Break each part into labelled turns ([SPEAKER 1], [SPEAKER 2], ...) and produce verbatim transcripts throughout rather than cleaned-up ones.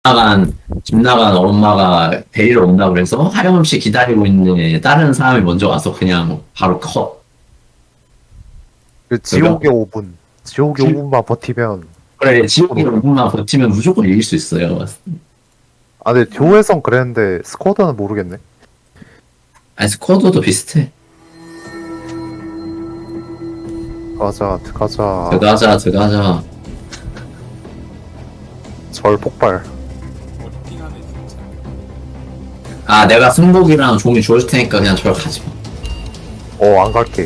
[SPEAKER 1] 나간 집 나간 엄마가 데리러 온다 그래서 하염없이 기다리고 있는데 다른 사람이 먼저 와서 그냥 바로 컷.
[SPEAKER 2] 그 지옥의 오 분. 지옥의
[SPEAKER 1] 지-
[SPEAKER 2] 오 분만 버티면.
[SPEAKER 1] 그래 지옥이 오 분만 버티면 무조건 이길 수 있어요.
[SPEAKER 2] 아, 근데 듀오에선 그랬는데 스쿼드는 모르겠네.
[SPEAKER 1] 아니 스쿼드도 비슷해.
[SPEAKER 2] 가자, 가자.
[SPEAKER 1] 들어가자 들어가자.
[SPEAKER 2] 절 폭발.
[SPEAKER 3] 어띵하네 진짜.
[SPEAKER 1] 아 내가 승복이랑 종이 줄 테니까 그냥 저를 가지 마.
[SPEAKER 2] 어, 안 갈게.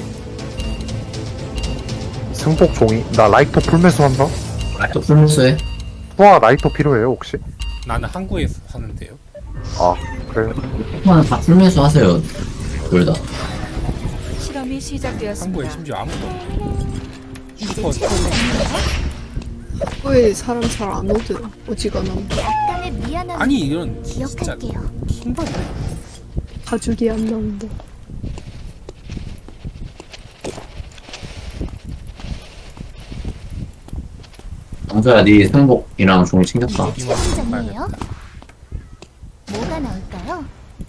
[SPEAKER 2] 승복 종이. 나 라이터 풀매수 한다?
[SPEAKER 1] 또 풀무수해.
[SPEAKER 2] 투아 라이터 필요해요, 혹시?
[SPEAKER 3] 나는 항구에서 사는데요.
[SPEAKER 2] 아, 그래.
[SPEAKER 1] 한번은 다 풀무수 하세요. 둘 다.
[SPEAKER 4] 실험이
[SPEAKER 3] 항구에
[SPEAKER 4] 시작되었습니다.
[SPEAKER 3] 심지어 아무도 없고.
[SPEAKER 5] 이제
[SPEAKER 3] 슈퍼
[SPEAKER 5] 최고점이에요.
[SPEAKER 6] 왜 사람 잘 안 오더라 어지간하면
[SPEAKER 5] 약간의 미안함
[SPEAKER 3] 아니 이런 진짜
[SPEAKER 5] 기억할게요.
[SPEAKER 3] 킹받네.
[SPEAKER 6] 가죽이 안 나온다.
[SPEAKER 1] 영서야 네 승복이랑 종이 챙겼다.
[SPEAKER 5] 이제 최고점이에요. 뭐가 나올까요?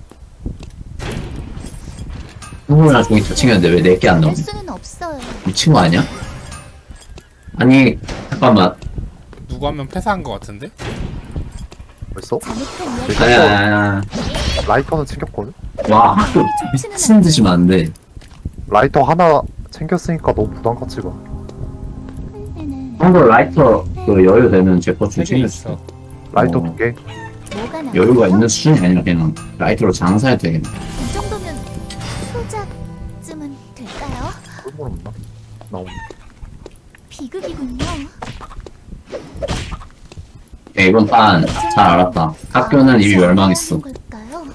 [SPEAKER 1] 승복이랑 종이 다 챙겼는데 왜 내 게 안
[SPEAKER 5] 할
[SPEAKER 1] 나오냐?
[SPEAKER 5] 수는 없어요.
[SPEAKER 1] 미친 거 아니야? 아니 잠깐만.
[SPEAKER 3] 누구 한 명 패사한 거 같은데?
[SPEAKER 2] 벌써?
[SPEAKER 5] 잘못한 이야기.
[SPEAKER 1] 아니야 아니야.
[SPEAKER 2] 라이터는 챙겼거든?
[SPEAKER 1] 와 학교 미친 듯이 많은데.
[SPEAKER 2] 라이터 하나 챙겼으니까 너무 부담 갖지 마.
[SPEAKER 1] 한국 라이터 그 여유 되면 제 것 좀
[SPEAKER 3] 세 개
[SPEAKER 1] 챙겼어.
[SPEAKER 3] 있어.
[SPEAKER 2] 라이터
[SPEAKER 1] 어.
[SPEAKER 2] 두 개?
[SPEAKER 5] 뭐가 나올까요?
[SPEAKER 1] 여유가 있는 수준이 아니라 그냥 라이터로 장사해도 되겠네.
[SPEAKER 5] 이 정도면 소작쯤은 될까요?
[SPEAKER 2] 꿀물 없나? 나 없네.
[SPEAKER 5] 비극이군요.
[SPEAKER 1] 야, 이번 판 잘 알았다. 학교는 이미 멸망했어.
[SPEAKER 5] 걸까요?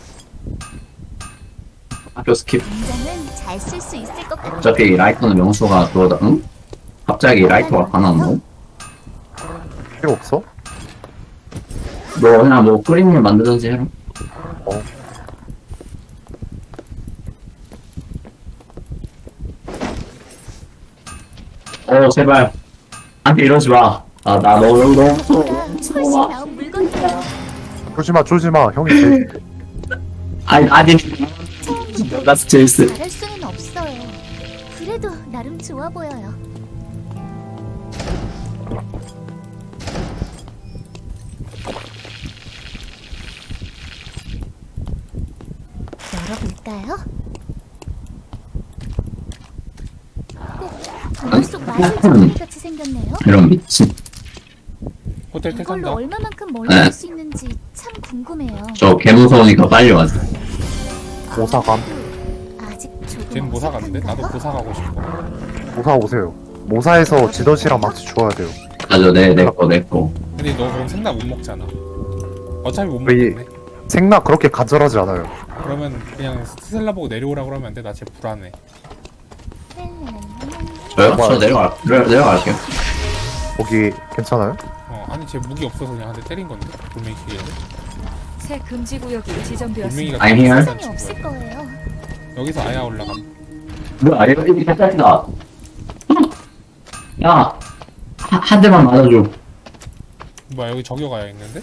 [SPEAKER 1] 학교 스킵.
[SPEAKER 5] 당장은 잘 쓸 수 있을 것 같아요.
[SPEAKER 1] 어차피 라이터는 명수가 그러다, 응? 갑자기 라이터가 다 나왔노?
[SPEAKER 2] 필요 없어?
[SPEAKER 1] 너 그냥 뭐 끓임물 만들든지 해라.
[SPEAKER 2] 어.
[SPEAKER 1] 어, 제발. 한테 이러지 마. 아, 나 너, 너, 너,
[SPEAKER 5] 보다 훨씬 나은 물건이에요.
[SPEAKER 2] 쫄지 마, 쫄지 마. 형이 제일.
[SPEAKER 1] 아니, 아니. 나스 제이스.
[SPEAKER 5] 잘할 수는 없어요. 그래도 나름 좋아 보여요. 열어볼까요? 꼭 동굴 속 마술사물 같이 생겼네요.
[SPEAKER 1] 이런 미친.
[SPEAKER 3] 호텔
[SPEAKER 5] 이걸로
[SPEAKER 3] 택한다.
[SPEAKER 5] 얼마만큼 멀리
[SPEAKER 1] 네.
[SPEAKER 5] 갈 수 있는지 참 궁금해요.
[SPEAKER 1] 저 개무서우니까 빨리 와줘.
[SPEAKER 2] 모사감.
[SPEAKER 5] 아직 조금
[SPEAKER 3] 쟤는 모사 갔는데? 나도
[SPEAKER 5] 어색한가요?
[SPEAKER 3] 모사 가고 싶어.
[SPEAKER 2] 모사 오세요. 모사에서 지더시랑 망치 주어야 돼요.
[SPEAKER 1] 가져, 내, 내 거, 내 거.
[SPEAKER 3] 근데 너 그럼 생나 못 먹잖아. 어차피 못
[SPEAKER 2] 왜 이-
[SPEAKER 3] 먹겠네.
[SPEAKER 2] 생나 그렇게 간절하지 않아요.
[SPEAKER 3] 그러면 그냥 스텔라 보고 내려오라 그러면 안 돼? 나 쟤 불안해.
[SPEAKER 1] 저요? 저 내려갈, 내려, 내려갈게요.
[SPEAKER 2] 거기 괜찮아요?
[SPEAKER 3] 어 아니 쟤 무기 없어서 그냥 한 대 때린 건데. 돌멩이 기계를.
[SPEAKER 4] 새 금지 구역이
[SPEAKER 3] 돌멩이가
[SPEAKER 4] 지정되었습니다.
[SPEAKER 1] I'm here.
[SPEAKER 5] 세상에 없을 거예요.
[SPEAKER 3] 여기서 아야 올라감.
[SPEAKER 1] 뭐야, 이거, 이거 개짜리다. 야, 한, 한 대만 맞아줘.
[SPEAKER 3] 뭐야 여기 저기가 있는데?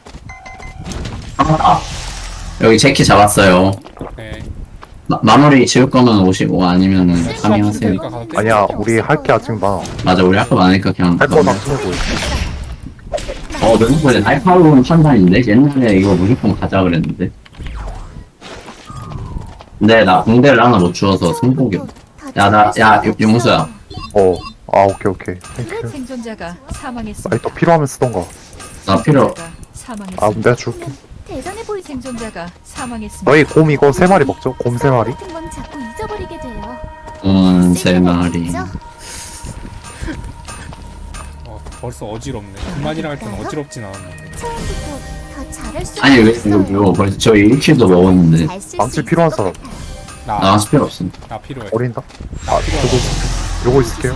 [SPEAKER 1] 잡았다. 여기 제키 잡았어요.
[SPEAKER 3] 네.
[SPEAKER 1] 마, 마무리 지을 거면 오시고 아니면은
[SPEAKER 3] 수학
[SPEAKER 1] 파밍하세요.
[SPEAKER 3] 테니까 가서 때려.
[SPEAKER 2] 아니야, 우리 할 게 아직 많아.
[SPEAKER 1] 맞아, 우리 학교 많으니까 그냥.
[SPEAKER 2] 할 거 다 쓰고.
[SPEAKER 1] 어, 너는 날카로운 판단인데? 옛날에 이거 무조건 가자 그랬는데. 근데 나 공대를 하나 못 주워서 승복이. 야, 나, 야, 용- 용수야.
[SPEAKER 2] 어. 아, 오케이, 오케이. 땡큐.
[SPEAKER 4] 생존자가 사망했습니다.
[SPEAKER 2] 라이터 필요하면 쓰던가.
[SPEAKER 1] 나 필요.
[SPEAKER 4] 생존자가
[SPEAKER 2] 아,
[SPEAKER 4] 사망했습니다.
[SPEAKER 2] 내가 줄게.
[SPEAKER 5] 대단해 보이
[SPEAKER 4] 생존자가 사망했습니다.
[SPEAKER 2] 너희 곰 이거 세 마리 먹죠? 곰 세 마리?
[SPEAKER 5] 같은 건 자꾸 잊어버리게 돼요.
[SPEAKER 1] 음, 세 마리.
[SPEAKER 5] 있죠?
[SPEAKER 3] 어 벌써 어지럽네. 그만이랑 할 때는 어지럽진 않았네.
[SPEAKER 5] 처음부터 더 잘할 수
[SPEAKER 1] 아니, 왜, 이거, 이거 벌써 저희 일 킬도 먹었는데.
[SPEAKER 2] 망치 필요한 사람.
[SPEAKER 3] 나,
[SPEAKER 1] 나갈 필요 없어.
[SPEAKER 3] 나 필요해.
[SPEAKER 2] 어린다? 아, 요거, 요거 있을게요.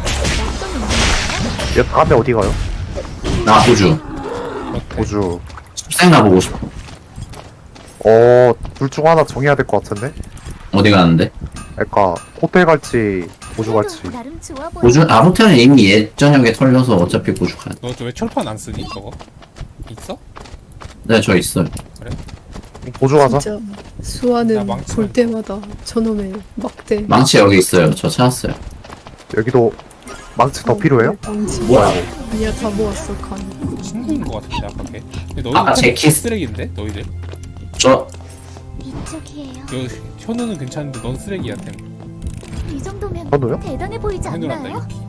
[SPEAKER 2] 얘 다음에 어디 가요?
[SPEAKER 1] 나 호주.
[SPEAKER 3] 어때?
[SPEAKER 2] 호주.
[SPEAKER 1] 숲생 가보고 싶어.
[SPEAKER 2] 어, 둘 중 하나 정해야 될 것 같은데?
[SPEAKER 1] 어디 가는데?
[SPEAKER 2] 그러니까 호텔 갈지 호주 갈지.
[SPEAKER 5] 나름 좋아 보여.
[SPEAKER 1] 호주, 아, 호텔은 이미 옛 저녁에 털려서 어차피 호주 가야 돼.
[SPEAKER 3] 너 왜 철판 안 쓰니 저거? 있어?
[SPEAKER 1] 네, 저 있어요.
[SPEAKER 2] 보조 가자.
[SPEAKER 6] 진짜
[SPEAKER 3] 나
[SPEAKER 6] 수아는
[SPEAKER 3] 망치
[SPEAKER 6] 볼
[SPEAKER 3] 많다.
[SPEAKER 6] 때마다 저놈의 막대.
[SPEAKER 1] 망치 여기 있어요. 저 찾았어요.
[SPEAKER 2] 여기도 망치 더
[SPEAKER 6] 어,
[SPEAKER 2] 필요해요?
[SPEAKER 6] 망치.
[SPEAKER 1] 뭐야?
[SPEAKER 6] 아니야 다 모았어 간.
[SPEAKER 3] 친구인 것 같은데 아까 걔. 근데 너희들
[SPEAKER 1] 아까 제 키스-
[SPEAKER 3] 쓰레기인데 너희들.
[SPEAKER 1] 저,
[SPEAKER 5] 이쪽이에요.
[SPEAKER 3] 그 현우는 괜찮은데 넌 쓰레기야 템.
[SPEAKER 5] 이 정도면
[SPEAKER 2] 현우요?
[SPEAKER 5] 대단해 보이지
[SPEAKER 3] 현우란다
[SPEAKER 5] 않나요?
[SPEAKER 3] 유키.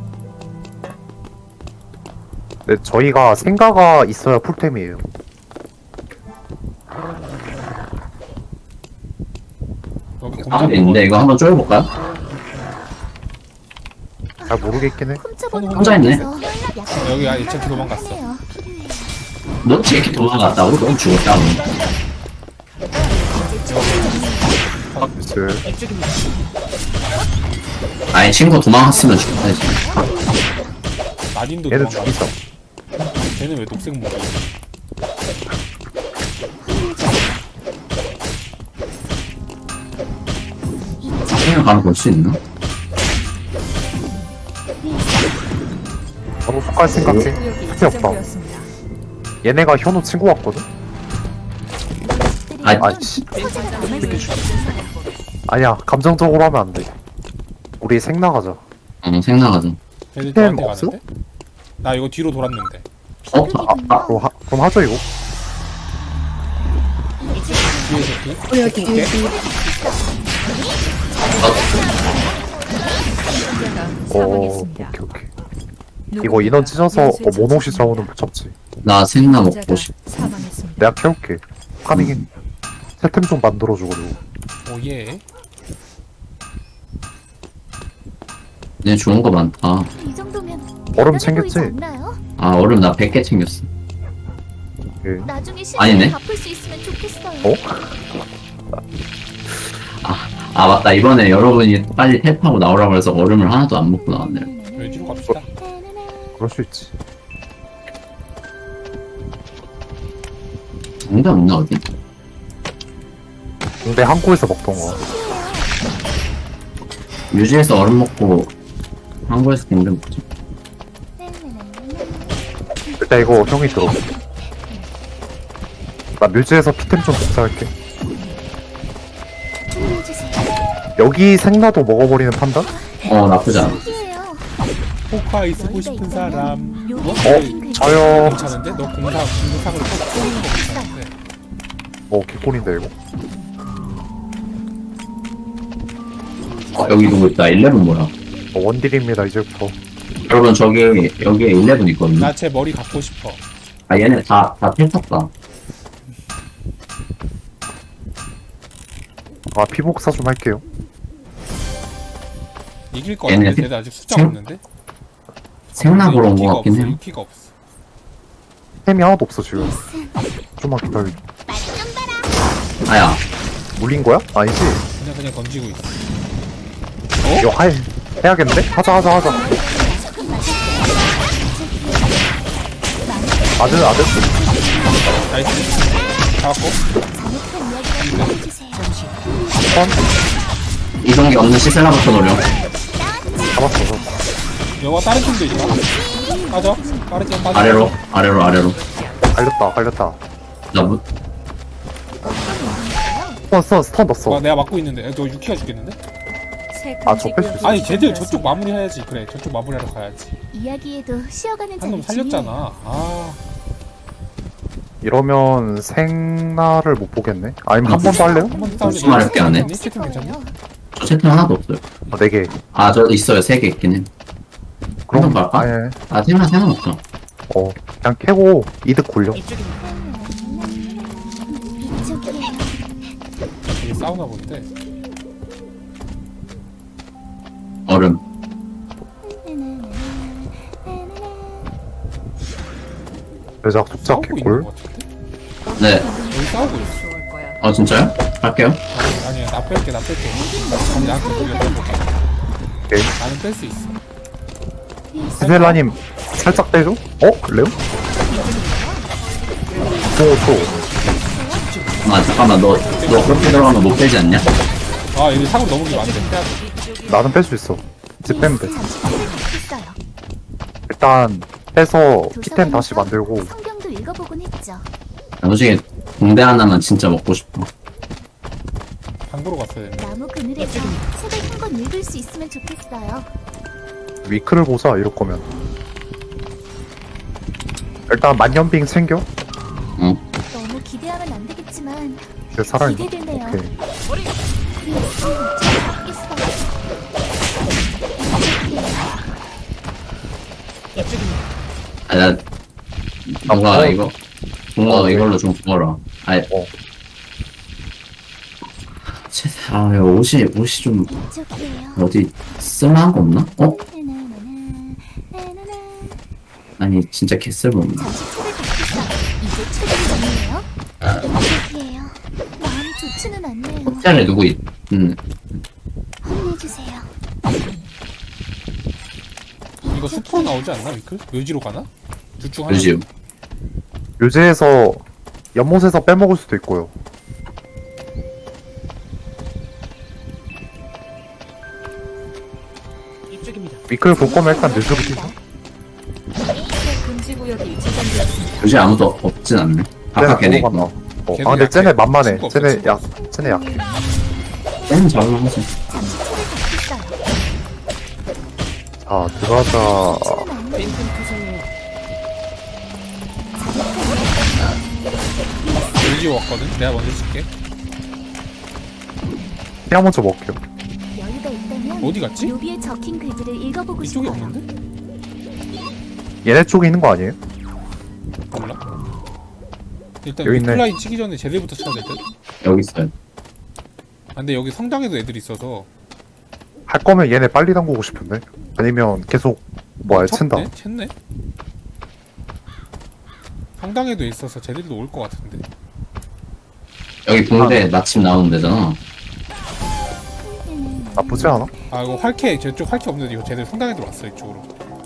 [SPEAKER 2] 네, 저희가 생가가 있어야 풀템이에요.
[SPEAKER 3] 여기
[SPEAKER 1] 아, 있는데 이거 한번 쪼여볼까요?
[SPEAKER 2] 잘 모르겠긴 해.
[SPEAKER 5] 훔쳐보는
[SPEAKER 1] 혼자 있네.
[SPEAKER 5] 거라서 약간
[SPEAKER 3] 여기 아예 쟤 도망갔어.
[SPEAKER 5] 하네요.
[SPEAKER 1] 너 이렇게 도망갔다고? 넌 죽었다고.
[SPEAKER 2] 그
[SPEAKER 1] 아니, 친구 도망갔으면 죽었다지.
[SPEAKER 3] 난인도
[SPEAKER 2] 얘는
[SPEAKER 3] 도망갔어.
[SPEAKER 2] 죽이자.
[SPEAKER 3] 쟤는 왜 녹색 목이?
[SPEAKER 1] 그냥 가면 볼 수 있나?
[SPEAKER 2] 바로 속갈 생각해.
[SPEAKER 4] 구역이
[SPEAKER 2] 필요 없다.
[SPEAKER 4] 지정되었습니다.
[SPEAKER 2] 얘네가 현우 친구 같거든?
[SPEAKER 1] 아니,
[SPEAKER 2] 아이씨.
[SPEAKER 5] 소재가 남아있는
[SPEAKER 2] 아니야, 감정적으로 하면 안 돼. 우리 생 나가자.
[SPEAKER 1] 어, 생나가자.
[SPEAKER 3] 쟤들
[SPEAKER 2] 템
[SPEAKER 3] 너한테
[SPEAKER 2] 없어?
[SPEAKER 3] 가는데? 나 이거 뒤로 돌았는데.
[SPEAKER 1] 어?
[SPEAKER 2] 아, 아, 그럼, 하, 그럼 하죠, 이거.
[SPEAKER 3] 뒤에 새끼.
[SPEAKER 6] 어 여기
[SPEAKER 3] 오케이.
[SPEAKER 6] 여기.
[SPEAKER 4] 생존자가
[SPEAKER 2] 오, 오케이,
[SPEAKER 4] 사망했습니다.
[SPEAKER 2] 오케이. 이거 인원 찢어서 어, 모노시 자원은 못 잡지.
[SPEAKER 1] 나 생나 먹고
[SPEAKER 4] 생존자가
[SPEAKER 1] 싶.
[SPEAKER 4] 사망했습니다.
[SPEAKER 2] 내가 캐올게. 파밍해. 세템 좀 만들어주고, 그리고.
[SPEAKER 3] 오예.
[SPEAKER 1] 얘 좋은 거 많다.
[SPEAKER 5] 이 정도면
[SPEAKER 2] 얼음
[SPEAKER 5] 대단해
[SPEAKER 2] 챙겼지?
[SPEAKER 5] 보이지 않나요?
[SPEAKER 1] 아, 얼음 나 백 개 챙겼어.
[SPEAKER 2] 예.
[SPEAKER 5] 나중에
[SPEAKER 1] 아니네.
[SPEAKER 5] 시간을 갚을 수 있으면 좋겠어요.
[SPEAKER 2] 어?
[SPEAKER 1] 아, 맞다. 이번에 여러분이 빨리 탭하고 나오라고 해서 얼음을 하나도 안 먹고 나왔네요.
[SPEAKER 3] 여기 뒤로 갑시다.
[SPEAKER 2] 그럴 수 있지.
[SPEAKER 1] 정답 없나, 어디?
[SPEAKER 2] 근데 한국에서 먹던 거.
[SPEAKER 1] 뮤지에서 얼음 먹고 한국에서 공대 먹자.
[SPEAKER 2] 일단 이거 형이 들어. 나 뮤즈에서 피템 좀 복사할게. 여기 생나도 먹어버리는 판단?
[SPEAKER 1] 어, 나쁘지 않아.
[SPEAKER 3] 포카이 쓰고 싶은 사람. 어?
[SPEAKER 2] 어? 저요.
[SPEAKER 3] 괜찮은데? 너 공사 공사상으로 꼭 쏘는 거 괜찮은데?
[SPEAKER 2] 어, 개꿀인데, 이거.
[SPEAKER 1] 어, 여기 누구 있다. 일레븐 뭐야?
[SPEAKER 2] 어, 원딜입니다, 이제부터.
[SPEAKER 1] 여러분, 저기, 여기에 일레븐 있거든요.
[SPEAKER 3] 나 쟤 머리 갖고 싶어.
[SPEAKER 1] 아, 얘네 다, 다 텔탔다.
[SPEAKER 2] 아, 피복사 좀 할게요.
[SPEAKER 3] 이길 거
[SPEAKER 1] 얘네
[SPEAKER 3] 같은데
[SPEAKER 1] 생-
[SPEAKER 3] 쟤들 아직 숫자
[SPEAKER 1] 생-
[SPEAKER 3] 없는데?
[SPEAKER 1] 생나 보러 온
[SPEAKER 3] 유키가
[SPEAKER 1] 거 같긴
[SPEAKER 3] 없어,
[SPEAKER 1] 해요.
[SPEAKER 3] 유키가 없어.
[SPEAKER 2] 템이 하나도 없어, 지금. 좀만 기다려.
[SPEAKER 1] 아야,
[SPEAKER 2] 물린 거야? 아니지?
[SPEAKER 3] 그냥 그냥 던지고 있어.
[SPEAKER 2] 이거 할, 해야겠는데? 하자, 하자, 하자. 아들, 아들?
[SPEAKER 3] 나이스. 잡았고.
[SPEAKER 2] 선?
[SPEAKER 1] 이동기 없는 시셀라부터 노려.
[SPEAKER 2] 잡았어, 잡았어.
[SPEAKER 3] 여가 다른 팀도 있다. 빠져. 빠르게 빠져.
[SPEAKER 1] 아래로, 아래로, 아래로.
[SPEAKER 2] 갈렸다, 갈렸다.
[SPEAKER 1] 나 무,
[SPEAKER 2] 스턴, 스턴, 스턴 넣었어.
[SPEAKER 3] 와, 내가 막고 있는데. 야, 너 유키가 죽겠는데?
[SPEAKER 4] 새
[SPEAKER 2] 아,
[SPEAKER 4] 금지
[SPEAKER 2] 저 뺄수
[SPEAKER 4] 구역이
[SPEAKER 2] 있어.
[SPEAKER 3] 아니, 쟤들
[SPEAKER 4] 지정되었습니다.
[SPEAKER 3] 저쪽 마무리해야지. 그래, 저쪽 마무리하러 가야지.
[SPEAKER 5] 이야기에도 쉬어가는
[SPEAKER 3] 한 놈
[SPEAKER 5] 자는 중요해요.
[SPEAKER 3] 살렸잖아. 아,
[SPEAKER 2] 이러면 생나를 못 보겠네? 아니면 한 번 더 할래요?
[SPEAKER 3] 한 번 싸우자.
[SPEAKER 1] 무슨 말 할게 안 해?
[SPEAKER 3] 채팅 괜찮니?
[SPEAKER 1] 저 채팅 하나도 없어요.
[SPEAKER 2] 아, 네 개.
[SPEAKER 1] 아, 저 있어요. 세 개 있긴 해.
[SPEAKER 2] 그럼,
[SPEAKER 1] 한번 갈까?
[SPEAKER 2] 아예.
[SPEAKER 1] 아, 생나 상관없어.
[SPEAKER 2] 어, 그냥 캐고 이득 굴려.
[SPEAKER 5] 이쪽이에요.
[SPEAKER 3] 되게 싸우나 본데.
[SPEAKER 1] 얼음.
[SPEAKER 2] 대작 속작
[SPEAKER 3] 싸우고 있는
[SPEAKER 2] 개꿀.
[SPEAKER 3] 거 같은데?
[SPEAKER 1] 네.
[SPEAKER 3] 여기 싸우고 있어.
[SPEAKER 4] 좋을 거야.
[SPEAKER 1] 어, 진짜요? 할게요.
[SPEAKER 3] 아니, 아니야, 나 뺄게, 나 뺄게. 아니, 나한테 돌려 빼볼게.
[SPEAKER 2] 오케이.
[SPEAKER 3] 나는 뺄 수 있어.
[SPEAKER 2] 스텔라님, 살짝 빼줘? 어? 레오? 오, 초.
[SPEAKER 1] 아, 잠깐만. 너, 너 그렇게 들어가면 못 빼지 않냐?
[SPEAKER 3] 아, 여기 사고 넘어기면 안 돼. 빼야 돼.
[SPEAKER 2] 나는 뺄 수 있어. 집 빼면 돼.
[SPEAKER 5] 잠시 생각했어요.
[SPEAKER 2] 일단, 빼서 피템 다시 만들고.
[SPEAKER 5] 성경도 읽어보곤 했죠.
[SPEAKER 1] 나중에 붕대 하나만 진짜 먹고 싶어.
[SPEAKER 3] 방구로 갔어야 되는데.
[SPEAKER 5] 나무 그늘에서 책을 한 권 읽을 수 있으면 좋겠어요.
[SPEAKER 2] 위크를 보자 이럴 거면. 일단 만년빙 챙겨.
[SPEAKER 1] 응.
[SPEAKER 5] 너무 기대하면 안 되겠지만
[SPEAKER 2] 이제 살아있나?
[SPEAKER 5] 기대되네요.
[SPEAKER 2] 오케이.
[SPEAKER 5] 그래서 좋겠어요.
[SPEAKER 1] 아, 나, 뭔가
[SPEAKER 2] 어.
[SPEAKER 1] 이거, 뭔가
[SPEAKER 2] 어,
[SPEAKER 1] 이걸로 좀 구워라. 아,
[SPEAKER 2] 어.
[SPEAKER 1] 제, 아, 이거 옷이, 옷이 좀,
[SPEAKER 5] 이쪽이에요.
[SPEAKER 1] 어디, 쓸만한 거 없나? 어? 아니, 진짜 개쓸모없네.
[SPEAKER 5] 잠시 책을 갖겠어. 이제 책이 정리해요. 이쪽이에요. 마음이 좋지는 않네요.
[SPEAKER 1] 호텔에 누구 있, 음,
[SPEAKER 5] 혼내주세요.
[SPEAKER 3] 이거 숲으로 나오지 않나 위클? 묘지로 가나? 둘 중 하나.
[SPEAKER 1] 요즘.
[SPEAKER 2] 묘지에서 연못에서 빼먹을 수도 있고요. 위클 볼 거면 일단 뇌죽이 뛰자.
[SPEAKER 4] 새 금지 구역이 지정되었습니다.
[SPEAKER 1] 요즘 아무도 없진 않네. 아까 걔네
[SPEAKER 2] 보고 갔나?
[SPEAKER 1] 있구나.
[SPEAKER 2] 어.
[SPEAKER 3] 걔도
[SPEAKER 2] 아 근데
[SPEAKER 3] 약해.
[SPEAKER 2] 쟤네 만만해.
[SPEAKER 3] 친구 없어,
[SPEAKER 2] 쟤네
[SPEAKER 3] 친구.
[SPEAKER 2] 약, 쟤네 약해.
[SPEAKER 1] 쟤는 잡으면 하지.
[SPEAKER 5] 잠시 책을 갖겠어요.
[SPEAKER 2] 자 들어가자.
[SPEAKER 5] 좋지는 않네요.
[SPEAKER 3] 묘지 왔거든? 내가 먼저 쓸게.
[SPEAKER 2] 피아 먼저 먹게요.
[SPEAKER 5] 여유가 있다면
[SPEAKER 3] 어디 갔지?
[SPEAKER 5] 묘비에 적힌 글들을 읽어보고
[SPEAKER 3] 이쪽에
[SPEAKER 5] 싶어요.
[SPEAKER 3] 없는데?
[SPEAKER 2] 얘네 쪽에 있는 거 아니에요?
[SPEAKER 3] 몰라. 일단
[SPEAKER 2] 여기 있네.
[SPEAKER 3] 위클라인 치기 전에 쟤들부터 쳐야 될 듯?
[SPEAKER 1] 여기 있어요.
[SPEAKER 3] 아, 근데 여기 성당에도 애들이 있어서
[SPEAKER 2] 할 거면 얘네 빨리 담그고 싶은데. 아니면 계속 뭐야 챈다.
[SPEAKER 3] 쳤네? 쳤네? 성당에도 있어서 쟤들도 올 것 같은데.
[SPEAKER 1] 여기 붕대 마침 나오는 데잖아.
[SPEAKER 2] 나쁘지 않아?
[SPEAKER 3] 아 이거 활캐 저쪽 활캐 없는데 이거 쟤들 성당에 들어왔어 이쪽으로.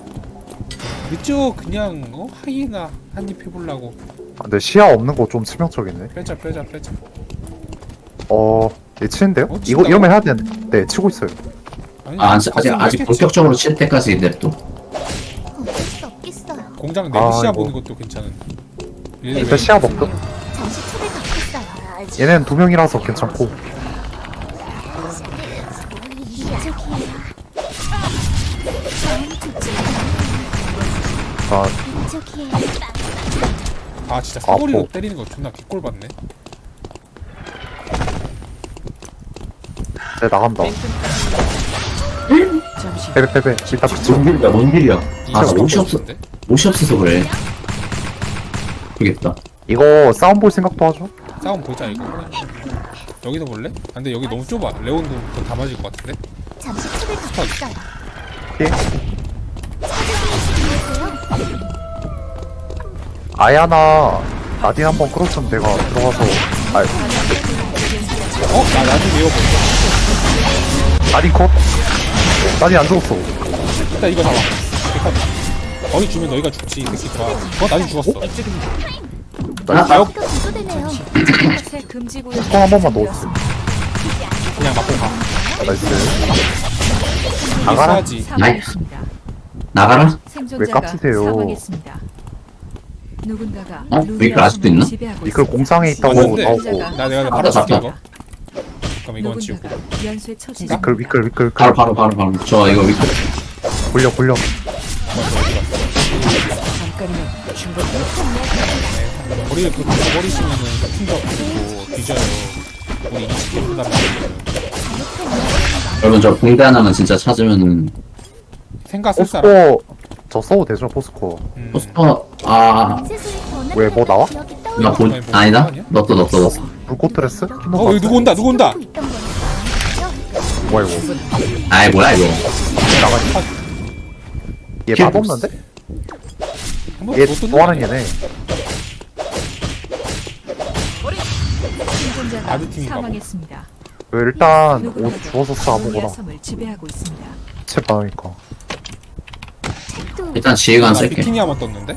[SPEAKER 3] 이쪽 그냥 어? 하이에나 한입 해보려고.
[SPEAKER 2] 아, 근데 시야 없는 거 좀 치명적이네.
[SPEAKER 3] 빼자 빼자 빼자.
[SPEAKER 2] 어, 얘 치는데요?
[SPEAKER 3] 어,
[SPEAKER 2] 이거
[SPEAKER 3] 친다고?
[SPEAKER 2] 이러면 해야 되는데. 네, 치고 있어요.
[SPEAKER 3] 아니,
[SPEAKER 1] 아, 아직, 아직,
[SPEAKER 3] 가슴
[SPEAKER 1] 아직
[SPEAKER 3] 왜 이렇게
[SPEAKER 1] 본격적으로 칠 때까지 냅둬.
[SPEAKER 5] 어쩔 수 없겠어요.
[SPEAKER 3] 공장
[SPEAKER 2] 아,
[SPEAKER 3] 내부시야
[SPEAKER 2] 이거.
[SPEAKER 3] 보는 것도 괜찮은.
[SPEAKER 2] 일단 시야 먹고.
[SPEAKER 5] 잠시 책을 갖겠어요.
[SPEAKER 2] 얘네는 두 명이라서 괜찮고.
[SPEAKER 5] 이쪽이에요. 마음이 좋지는
[SPEAKER 2] 아,
[SPEAKER 5] 않네요. 이쪽이에요.
[SPEAKER 3] 아 진짜 사거리로
[SPEAKER 2] 아파.
[SPEAKER 3] 때리는 거 존나 개꼴 받네.
[SPEAKER 2] 네, 나간다. 빼빼 빼빼. 일단 그치.
[SPEAKER 1] 뭔 일이야, 뭔 일이야. 아, 나
[SPEAKER 3] 이거
[SPEAKER 1] 옷이 없어.
[SPEAKER 3] 같은데?
[SPEAKER 1] 옷이 없어서 그래. 모르겠다.
[SPEAKER 2] 이거 싸움 볼 생각도 하죠?
[SPEAKER 3] 싸움 보자 이거. 여기서 볼래? 아, 근데 여기 너무 좁아. 레온도 더 다 맞을 것 같은데?
[SPEAKER 5] 잠시 책을 갖겠어요.
[SPEAKER 2] 예.
[SPEAKER 5] 찾으세요.
[SPEAKER 2] 아야나 나딘 한번 끌었으면 내가 들어가서. 아,
[SPEAKER 3] 어? 나 나중에 이거 볼게.
[SPEAKER 2] 나딘 컷? 나딘 안 죽었어.
[SPEAKER 3] 일단 이거 잡아. 이거 거기 주면 너희가 죽지 이 새끼 좋아. 어? 나중 죽었어.
[SPEAKER 1] 아, 아,
[SPEAKER 5] 이거 구조되네요.
[SPEAKER 4] 새 금지 구역이
[SPEAKER 2] 총 한 번만 넣어주세요.
[SPEAKER 3] 그냥 맞고 가.
[SPEAKER 2] 나이스.
[SPEAKER 3] 이게
[SPEAKER 2] 나가라.
[SPEAKER 3] 써야지.
[SPEAKER 4] 사망했습니다.
[SPEAKER 1] 나가라?
[SPEAKER 4] 생존자가
[SPEAKER 2] 깝치세요?
[SPEAKER 4] 사망했습니다. 누군가가
[SPEAKER 1] 어?
[SPEAKER 4] 루미아
[SPEAKER 1] 이거 알 수도 있나?
[SPEAKER 4] 섬을 지배하고
[SPEAKER 2] 이걸
[SPEAKER 4] 있습니다.
[SPEAKER 2] 공상에 있다고
[SPEAKER 3] 맞는데?
[SPEAKER 2] 나오고.
[SPEAKER 3] 나 내가
[SPEAKER 1] 아,
[SPEAKER 3] 바로
[SPEAKER 1] 나
[SPEAKER 3] 줄게
[SPEAKER 1] 잡혀.
[SPEAKER 3] 이거. 잠깐만 이거 치우고.
[SPEAKER 4] 누군가가 연쇄 처치
[SPEAKER 3] 나?
[SPEAKER 2] 위클 위클 위클 위클.
[SPEAKER 1] 바로, 바로, 바로, 바로. 저 이거 위클.
[SPEAKER 2] 굴려 굴려.
[SPEAKER 3] 머리를 그렇게 버리시면은 충격 받고 뒤져요. 우리 이십 분 남았어요.
[SPEAKER 1] 여러분, 저 붕대 하나만 진짜 찾으면은.
[SPEAKER 3] 생각 쓸 사람.
[SPEAKER 2] 포스코 저 써도 되죠 포스코.
[SPEAKER 3] 음.
[SPEAKER 1] 포스터, 아,
[SPEAKER 2] 왜, 뭐 나와?
[SPEAKER 1] 나 본, 아니다? 넣었어, 넣었어, 넣었어.
[SPEAKER 2] 불꽃 드레스?
[SPEAKER 3] 어 여기 누구 온다 누구 온다.
[SPEAKER 2] 뭐야 이거?
[SPEAKER 1] 아이, 뭐야, 이거.
[SPEAKER 2] 얘
[SPEAKER 1] 킬
[SPEAKER 2] 맛없는데?
[SPEAKER 3] 한번
[SPEAKER 2] 얘
[SPEAKER 3] 못 뜯는
[SPEAKER 2] 좋아하는
[SPEAKER 3] 거
[SPEAKER 2] 얘네.
[SPEAKER 4] 생존자가
[SPEAKER 3] 아드 팀인가 봐.
[SPEAKER 4] 사망했습니다.
[SPEAKER 2] 왜 일단 옷
[SPEAKER 4] 누군가가
[SPEAKER 2] 주워서 써
[SPEAKER 4] 루미아
[SPEAKER 2] 아무거나.
[SPEAKER 4] 섬을 지배하고 있습니다.
[SPEAKER 2] 책 많으니까.
[SPEAKER 1] 일단 지휘관
[SPEAKER 3] 나
[SPEAKER 1] 쓸게.
[SPEAKER 3] 비키니 한번 떴는데?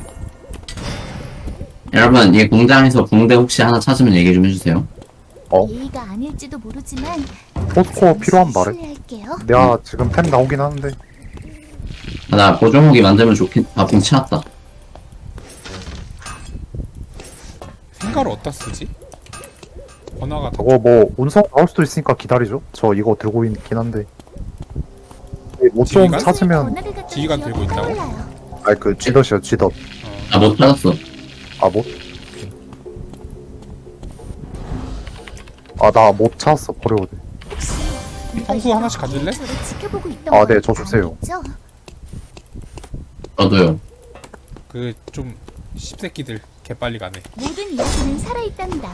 [SPEAKER 1] 여러분, 이 공장에서 붕대 혹시 하나 찾으면 얘기 좀 해주세요.
[SPEAKER 2] 어?
[SPEAKER 5] 예의가 아닐지도 모르지만
[SPEAKER 2] 포스코 필요한 말해.
[SPEAKER 5] 실례할게요.
[SPEAKER 2] 내가 지금 템 나오긴 하는데.
[SPEAKER 1] 아, 나 보조무기 만들면 좋긴, 아, 붕 치웠다.
[SPEAKER 3] 한가를 어디다 쓰지? 번화가 다
[SPEAKER 2] 저거 뭐 운석 나올 수도 있으니까 기다리죠. 저 이거 들고 있긴 한데. 못 좀
[SPEAKER 3] 지휘관?
[SPEAKER 2] 찾으면
[SPEAKER 3] 지휘관 들고 있다고?
[SPEAKER 2] 아니 그 쥐덫이요 쥐덫.
[SPEAKER 1] 아, 못 찾았어.
[SPEAKER 2] 아 못? 아 나 못 찾았어 버려도 돼.
[SPEAKER 3] 평소 하나씩 가질래?
[SPEAKER 2] 아, 네, 저 주세요.
[SPEAKER 1] 저도요.
[SPEAKER 3] 그 좀 씹새끼들 개빨리 가네.
[SPEAKER 5] 모든 이야기는 살아있단다.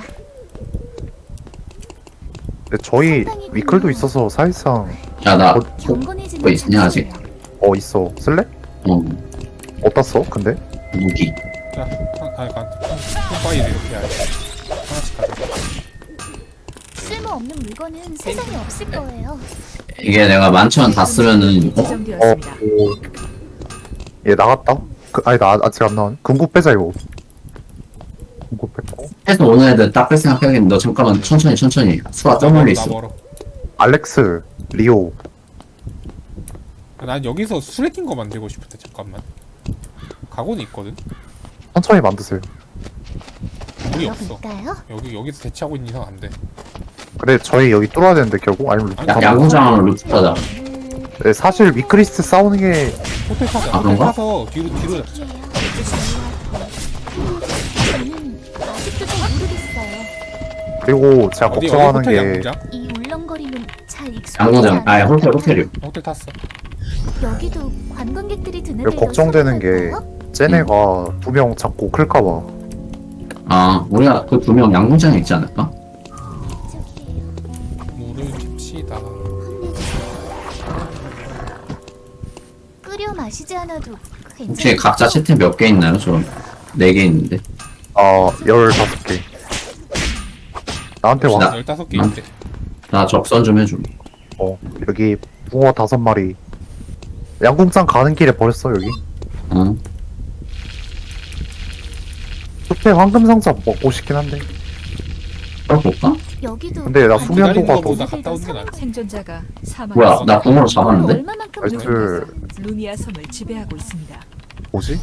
[SPEAKER 2] 근데 저희 위클도 있어서 사실상
[SPEAKER 1] 야, 나,
[SPEAKER 2] 어,
[SPEAKER 5] 경건해지는
[SPEAKER 1] 뭐 있냐, 아직?
[SPEAKER 5] 작품이야.
[SPEAKER 2] 어 있어. 쓸래?
[SPEAKER 1] 어,
[SPEAKER 2] 어디다 써? 근데?
[SPEAKER 1] 무기.
[SPEAKER 3] 자, 한, 아, 간, 뿜빠이를 이렇게 해야지. 하나씩 가자.
[SPEAKER 5] 쓸모없는 물건은 세상에 없을 거예요.
[SPEAKER 1] 이게 내가 만천 다 쓰면은, 어?
[SPEAKER 2] 어,
[SPEAKER 4] 지정되었습니다.
[SPEAKER 2] 오. 얘 나갔다? 그, 아니 나 아직 안 나왔네. 금국 빼자 이거. 금국 뺐고.
[SPEAKER 1] 해서 오는 애들 딱 뺄 생각해야겠는데, 너 잠깐만, 천천히, 천천히. 수가 더 멀리
[SPEAKER 3] 나
[SPEAKER 1] 있어.
[SPEAKER 3] 멀어.
[SPEAKER 2] 알렉스, 리오.
[SPEAKER 3] 난 여기서 수레낀 거 만들고 싶은데 잠깐만. 각오는 있거든.
[SPEAKER 2] 천천히 만드세요.
[SPEAKER 3] 물이 없어.
[SPEAKER 5] 열어볼까요?
[SPEAKER 3] 여기 여기서 대치하고 있는 이상 안 돼.
[SPEAKER 2] 근데 저희 여기 뚫어야 되는데 결국 아니면 루프
[SPEAKER 3] 야,
[SPEAKER 1] 야,
[SPEAKER 2] 가면-
[SPEAKER 1] 야구장으로 루트 타자.
[SPEAKER 2] 네, 사실 위크리스트 싸우는 게
[SPEAKER 3] 호텔 타자.
[SPEAKER 1] 아,
[SPEAKER 3] 호텔
[SPEAKER 1] 그런가?
[SPEAKER 3] 타서 뒤로 뒤로 잡자.
[SPEAKER 5] 저는 아직도 잘 모르겠어요.
[SPEAKER 2] 그리고 제가
[SPEAKER 3] 어디 어디
[SPEAKER 2] 걱정하는
[SPEAKER 3] 호텔
[SPEAKER 2] 게
[SPEAKER 3] 양궁장?
[SPEAKER 5] 이 울렁거림은 잘 익숙하지
[SPEAKER 1] 양구장, 아,
[SPEAKER 5] 않아요.
[SPEAKER 1] 호텔, 호텔이요.
[SPEAKER 3] 호텔 탔어.
[SPEAKER 5] 여기도 관광객들이 드는
[SPEAKER 2] 그리고 걱정되는 게 쟤네가 두 명 잡고 클까봐.
[SPEAKER 1] 아, 우리가 그 두 명 양궁장에 있지 않을까?
[SPEAKER 3] 물을 킵시다.
[SPEAKER 5] 끓여 마시지 않아도
[SPEAKER 1] 혹시
[SPEAKER 5] 괜찮아요.
[SPEAKER 1] 각자 채팅 몇 개 있나요? 저 네 개 있는데.
[SPEAKER 2] 아, 열다섯 개. 나한테 와.
[SPEAKER 1] 나-
[SPEAKER 3] 열다섯 개
[SPEAKER 1] 난-
[SPEAKER 3] 있대.
[SPEAKER 1] 나 적선 좀 해줘.
[SPEAKER 2] 어, 여기 붕어 다섯 마리. 양궁장 가는 길에 버렸어, 여기.
[SPEAKER 1] 어.
[SPEAKER 2] 숲에 황금상자 먹고 싶긴 한데.
[SPEAKER 1] 볼까?
[SPEAKER 5] 여기도
[SPEAKER 2] 근데 나 수면도가
[SPEAKER 3] 기다리는
[SPEAKER 2] 더-
[SPEAKER 3] 것보다 갔다 오는 게 낫지.
[SPEAKER 4] 생존자가 사망.
[SPEAKER 1] 뭐야, 나 붕어로 잡았는데?
[SPEAKER 5] 얼마만큼
[SPEAKER 2] 나이스.
[SPEAKER 5] 놀랐어요.
[SPEAKER 4] 루미아 섬을 지배하고 있습니다.
[SPEAKER 2] 뭐지?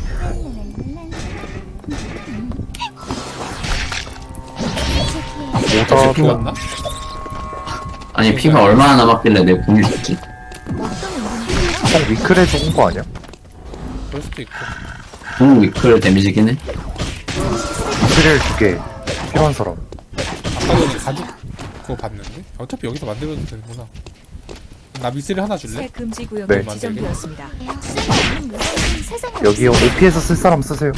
[SPEAKER 5] 저기에
[SPEAKER 2] 모자
[SPEAKER 3] 어차피
[SPEAKER 2] 도
[SPEAKER 3] 왔나?
[SPEAKER 1] 아니, 피가 얼마나 남았길래 내 궁이 죽지?
[SPEAKER 5] 어떤 운동이에요?
[SPEAKER 2] 형 위클에 죽은 거 아니야?
[SPEAKER 3] 그럴 수도 있고.
[SPEAKER 1] 궁 위클 데미지긴 해.
[SPEAKER 2] 위클을 두 개. 필요한 사람.
[SPEAKER 3] 아까 전에 가죽 그거 봤는데? 어차피 여기서 만들어도 되는구나. 나 미스를 하나 줄래?
[SPEAKER 4] 새 금지 구역이
[SPEAKER 2] 네.
[SPEAKER 4] 지정되었습니다.
[SPEAKER 5] 쓸모없는 물건은 세상에
[SPEAKER 2] 여기요.
[SPEAKER 5] 없을
[SPEAKER 2] 오피에서 쓸 사람 쓰세요.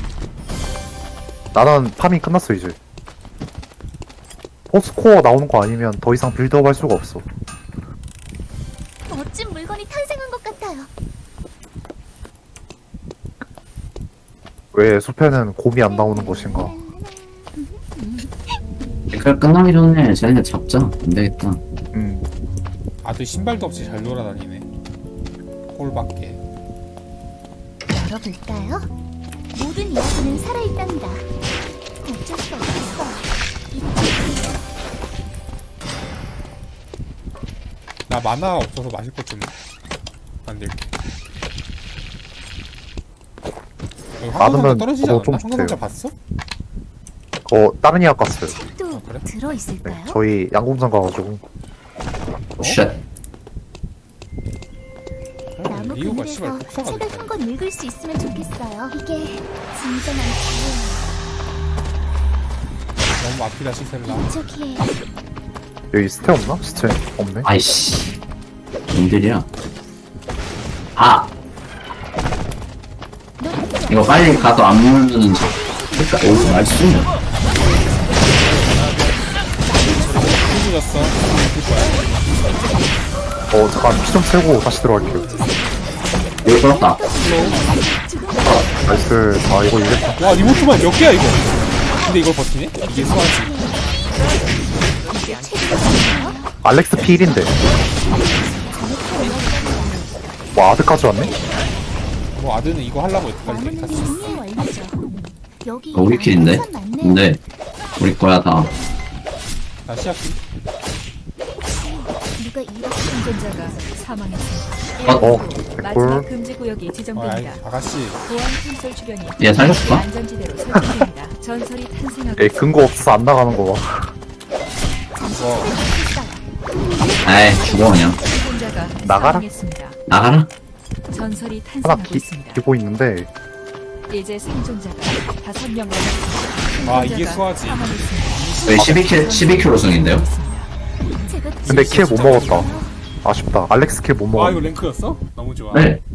[SPEAKER 2] 나는 파밍 끝났어, 이제. 포스코어 나오는 거 아니면 더 이상 빌드업 할 수가 없어.
[SPEAKER 5] 멋진 물건이 탄생한 것 같아요.
[SPEAKER 2] 왜 숲에는 곰이 안 나오는 것인가?
[SPEAKER 1] 위클 끝나기 전에 쟤네 잡자. 안 되겠다.
[SPEAKER 2] 음.
[SPEAKER 3] 아들 신발도 없이 잘 돌아다니네. 꼴밖에.
[SPEAKER 5] 열어볼까요? 모든 이야기는 살아있단다. 어쩔 수 없어.
[SPEAKER 3] 나 만화 없어서 마실 것 좀 만들게. 여기 황금상자
[SPEAKER 2] 많으면
[SPEAKER 3] 떨어지지
[SPEAKER 2] 저도
[SPEAKER 3] 않았나?
[SPEAKER 2] 좀
[SPEAKER 3] 황금상자
[SPEAKER 2] 주세요.
[SPEAKER 3] 봤어?
[SPEAKER 2] 어, 다른 이약 갔어요.
[SPEAKER 5] 책도
[SPEAKER 3] 아, 그래?
[SPEAKER 2] 네,
[SPEAKER 5] 들어있을까요?
[SPEAKER 2] 저희 양궁장 가가지고.
[SPEAKER 1] 쉣.
[SPEAKER 5] 나무
[SPEAKER 3] 이유가 씨발
[SPEAKER 5] 그늘에서
[SPEAKER 3] 복사가
[SPEAKER 5] 책을
[SPEAKER 3] 됐다.
[SPEAKER 5] 한 권 읽을 수 있으면 좋겠어요. 이게 진정한 자유예요.
[SPEAKER 3] 너무 앞이다 시셀라.
[SPEAKER 5] 저기에
[SPEAKER 2] 여기 스테 없나? 스테 없네.
[SPEAKER 1] 아이씨. 뭔들이야? 아! 이거 빨리 가서 안 물면은 저. 그니까, 오, 나이스.
[SPEAKER 3] 힘들었어. 줄 거야.
[SPEAKER 2] 어, 잠깐 피 좀 채우고 다시 들어갈게요.
[SPEAKER 1] 이거 끌었다.
[SPEAKER 2] 나이스. 아, 이거 이겼다.
[SPEAKER 3] 와 리모트만 몇 개야 이거? 근데 이걸 버티네? 이게 수화지.
[SPEAKER 2] 알렉스 피 일인데. 와, 아드까지 왔네?
[SPEAKER 3] 뭐 아드는 이거 하려고 여태까지
[SPEAKER 5] 나무는
[SPEAKER 3] 탔어.
[SPEAKER 5] 정리의 원리죠. 여기
[SPEAKER 1] 어, 우리 킬인데?
[SPEAKER 5] 나무 참 많네요.
[SPEAKER 1] 근데, 우리 거야, 다.
[SPEAKER 3] 나 시작기.
[SPEAKER 5] 누가 이렇게
[SPEAKER 4] 생존자가 사망했습니다.
[SPEAKER 2] 어,
[SPEAKER 4] 마지막
[SPEAKER 2] 개꿀.
[SPEAKER 4] 금지 구역이
[SPEAKER 3] 어, 아이,
[SPEAKER 4] 지정됩니다.
[SPEAKER 3] 아가씨.
[SPEAKER 4] 보안 콘솔 주변이
[SPEAKER 1] 얘 살렸을까?
[SPEAKER 4] 안전지대로 설정됩니다. 전설이 탄생하고
[SPEAKER 2] 얘 근거 없어서 안 나가는 거 봐.
[SPEAKER 1] 아이, 죽어, 그냥.
[SPEAKER 4] 생존자가
[SPEAKER 2] 나가라.
[SPEAKER 4] 사망했습니다.
[SPEAKER 1] 나가라?
[SPEAKER 4] 전설이
[SPEAKER 2] 하나
[SPEAKER 4] 탄생하고
[SPEAKER 2] 기,
[SPEAKER 4] 있습니다.
[SPEAKER 2] 기고 있는데
[SPEAKER 4] 이제 생존자가 다섯 명 남았습니다.
[SPEAKER 3] 아, 이게
[SPEAKER 4] 생존자가
[SPEAKER 3] 수화지.
[SPEAKER 4] 사망했습니다.
[SPEAKER 1] 저희 십이 킬, 십이 킬 우승인데요?
[SPEAKER 5] 제가
[SPEAKER 2] 근데 킬 못 먹었다. 아쉽다. 알렉스 킬 못
[SPEAKER 3] 아,
[SPEAKER 2] 먹었네.
[SPEAKER 3] 이거 랭크였어? 너무 좋아.
[SPEAKER 1] 네.